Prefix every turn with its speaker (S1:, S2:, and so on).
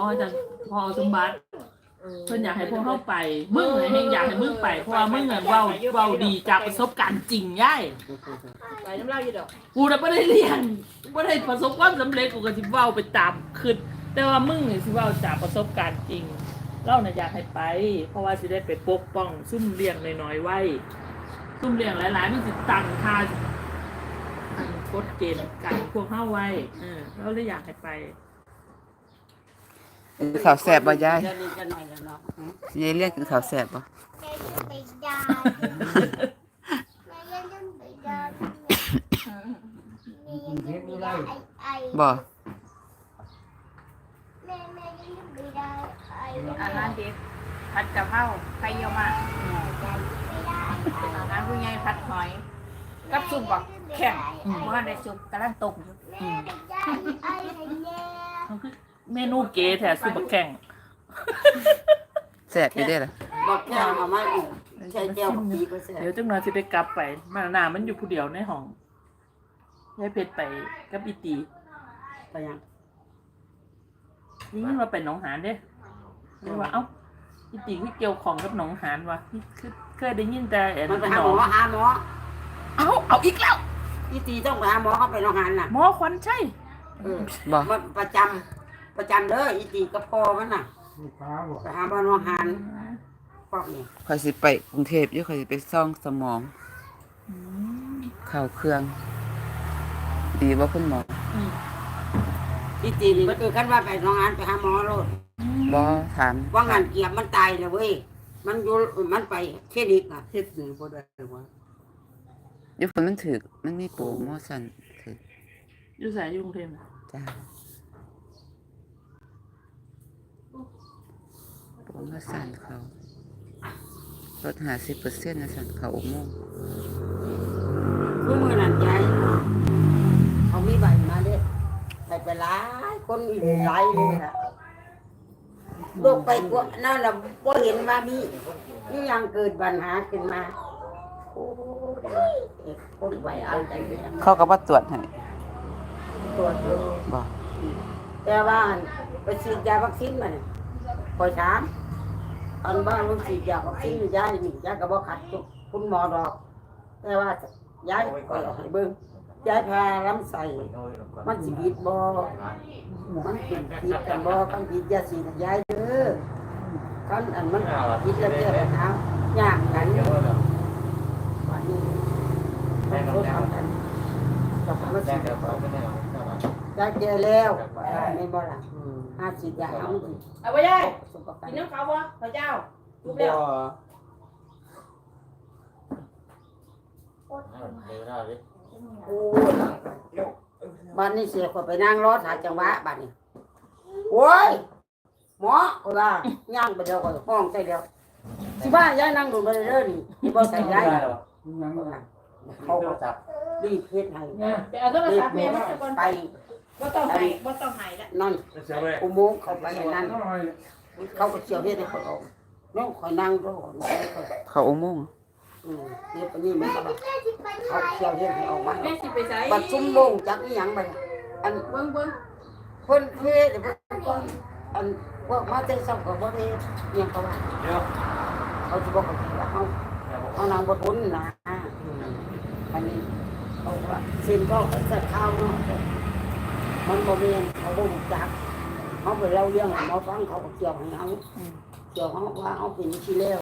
S1: จะพอสมบัติเพิ่นอยากให้พวกเข้าไปมึงเฮงอยากให้มึงไปเพราะว่ามึงเว้าดีจากประสบการณ์จริงย่าย
S2: ไปน้ำเล่าอยู่ดอก
S1: กูน่ะบ่ได้เรียนบ่ได้ประสบความสำเร็จกูก็สิเว้าไปตามคิดแต่ว่ามึงนี่สิเว้าจากประสบการณ์จริงเราน่ะอยากให้ไปเพราะว่าสิได้ไปปกป้องซุ่มเลี้ยงน้อยๆไว้ซุ่มเลี้ยงหลายๆมันสิตั้งค่ากฎเกณฑ์กันพวกเฮาไว้เราเลยอยากให้ไป
S3: ข้าวแซ่บบ่ยาย
S2: จะนี่จะหน่อยแล้วเนาะ
S3: ยายเรียกกินข้าวแซ่บบ่บ่
S4: อาหารเด็กผัดกะเพราไข่เยี่ยวมาอาหารผู้ใหญ่ผัดหอยกับซุปบักแข็งเมื่อได้ซุปกำลังตกอยู่
S1: เมนูเก๋แท้ซุปบักแข่ง
S3: แซ่บอยู่เด้ล่ะ
S2: บอกแก้วเอามาอีกใช้แก้วปีก็แซ่บ
S1: เดี๋ยวจังหน่อยสิได้กลับไปมาหน้ามันอยู่ผู้เดียวในห้องยายเพชรไปกับอีตี
S2: ไปยัง
S1: นี่เราไปหนองหานเด้เรียกว่าเอ้าอีตีคือเกี่ยวของกับหนองหานวะคือเคยได้ยินแต่
S2: มันไปหาหมอ
S1: เอาอีกแล้ว
S2: อีตีต้องไปหาหมอเขาไปโรงงานน่ะ
S1: หมอควันใช่
S3: บ่
S2: มันประจำเด้ออีตีกับพ่อมันน่ะไปหาบ้านโรงงานพวกนี้
S3: ข้อยสิไปกรุงเทพอยู่ข้อยสิไปซ่องสมองเข้าเครื่องดีบ่คุณหมอ
S2: อีตีนี่คือคันว่าไปโรงงานไปหาหมอโลด
S3: บ่ถาม
S2: ว่างานเกียบมันตายแล้วเว้ยมันไปคลินิกอ่ะเฮ็ดนี่บ่ได้ว่า
S3: อยู่ฝนมันถึกมันมีโปรโมชั่นถึก
S1: อยู่ไสอยู่กรุงเทพ
S3: จ้าโปรโมชั่นเขาลด50%นะสั่นเขาอุโมงค์
S2: คือมื้อนั้นยายเขามีใบมาเด้ไปหลายคนอีกหลายเลยล่ะโลกไปกว่านั่นน่ะบ่เห็นว่ามียังเกิดปัญหาขึ้นมาโอ้ยคนไปเอาใจเลย
S3: เขาก็บ่ตรวจให้
S2: ตรวจ
S3: บ่
S2: แต่ว่าไปฉีดยาวัคซีนมาเนี่ยพอถามอันบ้านลูกฉีดยาวัคซีนยายนี่ยายก็บ่ขัดคุณหมอดอกแต่ว่ายายก็ให้เบิ่งยายพาลำไส้มันสิผิดบ่มันเป็นผิดกันบ่กันผิดยาฉีดยายเด้อกันอันมันผิดแล้วแก้ปัญหายากกันวันนี้ต้องทำกันต้องมาฉีดยาแก่แล้วไม่บ่ล่ะหาฉีดยาเอา
S4: ไว้ยายกินน้ำเขาบ่พระเจ้าทุกแล้ว
S2: โอ้บ้านนี้เสียคนไปนั่งรถหาจังหวะบ้านนี้โอ้ยหมอก็ว่าย่างไปเดียวก็ห้องใส่เดียวสิบ้านย้ายนั่งดูไปเรื่อยนี่ที่บ่ใส่ย้ายเขาจับรีบเฮ็ดให้
S4: ไปเอาโทรศัพท์แม่มา
S2: ไป
S4: บ่ต้องให้ละ
S2: นั่นอุโมงค์เขาไปนั่นเขาก็เสียวเฮ็ดให้เขาออกน้องคอยนั่งรอ
S3: เขาอุโมงค์
S2: เดี๋ยวปนี้มันก็เขาเสียวเฮ็ดให้ออกมา
S4: แม่สิไปไส
S2: บัดชุ่มโมงจักอีหยังบัดอันเบิ่งเพิ่นเฮ็ดเพิ่นอันพวกมาแต่ซ้ำก็บ่ได้เรียนเขาว่าเขาสิบอกว่าเขานางบ่ทุนนะอันนี้เขาว่าสิ่งก็สัตว์ข้าวเนาะมันบ่แม่นเขาบ่รู้จักเขาไปเล่าเรื่องให้หมอฟังเขาก็เกี่ยวให้เฮาเกี่ยวเฮาว่าเฮาเป็นที่แล้ว